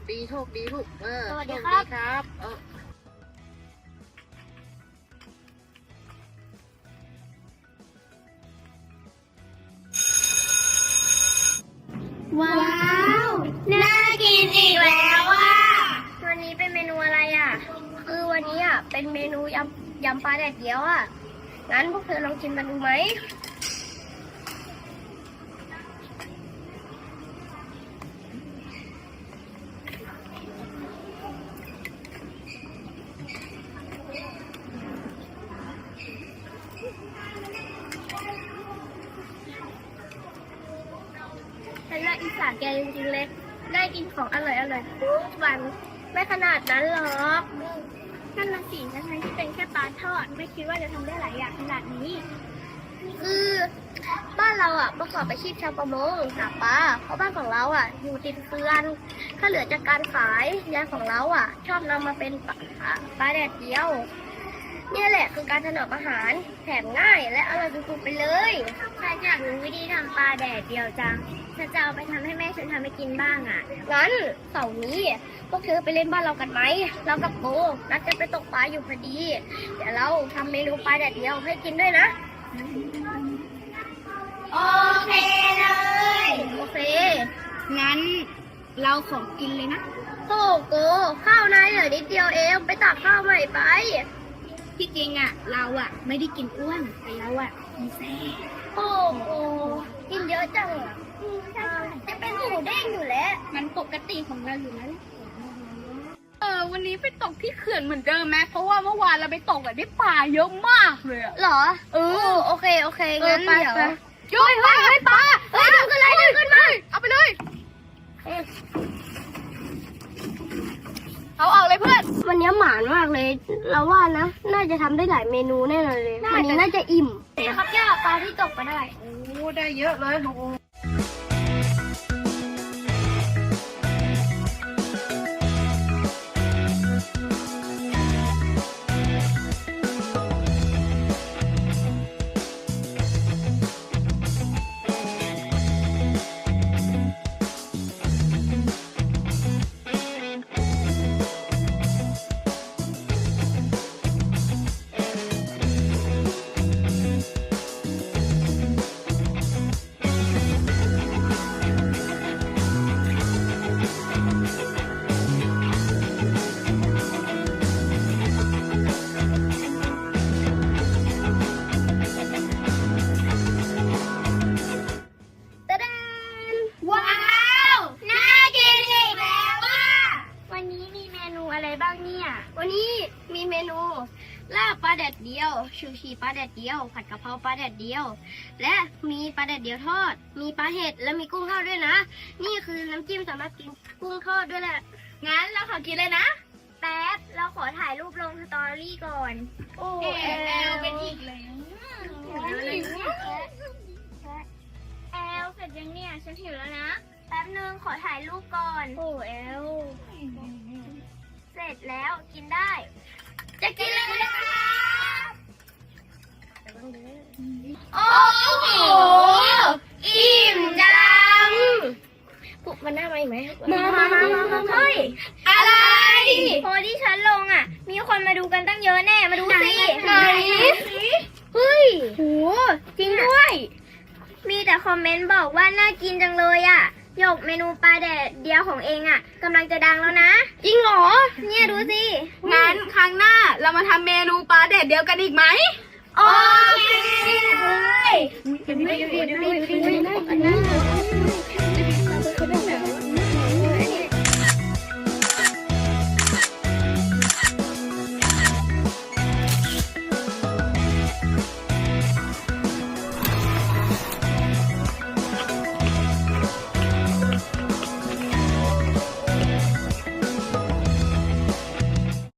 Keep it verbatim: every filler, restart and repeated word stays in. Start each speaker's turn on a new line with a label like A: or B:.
A: ดีโชคดีลูกเออ
B: สวัสดี
A: โช
B: ครับ
A: ครับเออ
B: ว้าวน่ากินอีกแล้วอ่ะวันนี้เป็นเมนูอะไรอ่ะคือวันนี้อ่ะเป็นเมนูยำยำปลาแดดเดียวอ่ะงั้นพวกเธอลองชิมกันดูไหมฉันรักอีสานแกจริงๆเลยได้กินของอร่อยอร่อยทุกวันไม่ขนาดนั้นหรอกนั่นละสิทั้งที่เป็นแค่ปลาทอดไม่คิดว่าจะทำได้หลายอย่างขนาดนี้คือบ้านเราอ่ะประกอบอาชีพชาวประมงหาปลาเพราะบ้านของเราอ่ะอยู่ติดเฟือนถ้าเหลือจากการขายยายของเราอ่ะ ชอบนำมาเป็นปลาปลาแดดเดียวเนี่ยแหละคือการถนอมอาหารแถมง่ายและอร่อยสุดๆไปเลยฉันอยากรู้วิธีทำปลาแดดเดียวจังฉันจะเอาไปทำให้แม่ฉันทำให้กินบ้างอ่ะงั้นเสาร์นี้พวกเธอไปเล่นบ้านเรากันไหมเรากับโบนัดกันไปตกปลาอยู่พอดีเดี๋ยวเราทำเมนูปลาแดดเดียวให้กินด้วยนะโอเคเลยโอเคงั้นเราของกินเลยนะโอ้โหข้าวนายเหลือนิดเดียวเองไปตักข้าวใหม่ไปที่จริงอ่ะเราอ่ะไม่ได้กินอ้วนแต่เราอ่ะกินแซ่โอ้โหกินเยอะจังอ่ะจะเป็นหมูเด้งอยู่แล้วมันปกติของเราอยู่แล้ว
C: เออวันนี้ไปตกที่เขื่อนเหมือนเดิมไหมเพราะว่าเมื่อวานเราไปตกอะได้ปลาเยอะมากเลยอะ
B: หรอ
C: เออ
B: โอเคโอเคงั้น
C: ไป
B: เดี๋ยว
C: ไปโย้ยเฮ้ยเฮ้ยปลา
B: เฮ้ยดึงขึ้นเลยดึงขึ้นมา
C: เอาไปเลยเอาออกเลยเพื่อน
B: วันนี้หมานมากเลยเราว่านะน่าจะทำได้หลายเมนูแน่นอนเลยวันนี้น่าจะอิ่มครับย่าปลาที่ตกไปได้
A: โอ้ได้เยอะเลยโอ้
B: ตะดานว้าวน่ากินอีกแล้วว่ะวันนี้มีเมนูอะไรบ้างเนี่ยวันนี้มีเมนูลาบปลาแดดเดียวชูชีปลาแดดเดียวผัดกะเพราปลาแดดเดียวและมีปลาแดดเดียวทอดมีปลาเห็ดและมีกุ้งทอดด้วยนะนี่คือน้ำจิ้มสำหรับกินกุ้งทอดด้วยแหละ
C: งั้นเราขอกินเลยนะ
B: แป๊บเราขอถ่ายรูปลงสตอรี่ก่อนโอ้
C: เอแอลเป็นอีกเลย
B: แอลเสร็จยังเนี่ยฉันหิวแล้วนะแป๊บนึงขอถ่ายรูปก่อนโอ้แอลเสร็จแล้วกินได้ จะกินเลยนะครับโอ้โหอิ่มจังปุ๊บมันน่ามาอีกไหมมามามามามาเฮ้ยอะไรพอที่ฉันลงอ่ะมีคนมาดูกันตั้งเยอะแน่มาดูสิไหนเฮ้ยโหจริงด้วย มีแต่คอมเมนต์บอกว่าน่ากินจังเลยอ่ะหยกเมนูปลาแดดเดียวของเองอ่ะกำลังจะดังแล้วนะจริงเหรอเนี่ยดูสิ
C: งั้นครั้งหน้าเรามาทำเมนูปลาแดดเดียวกันอีกไหม
B: โอเคเลยดูดิดูดิดูดิดูดิ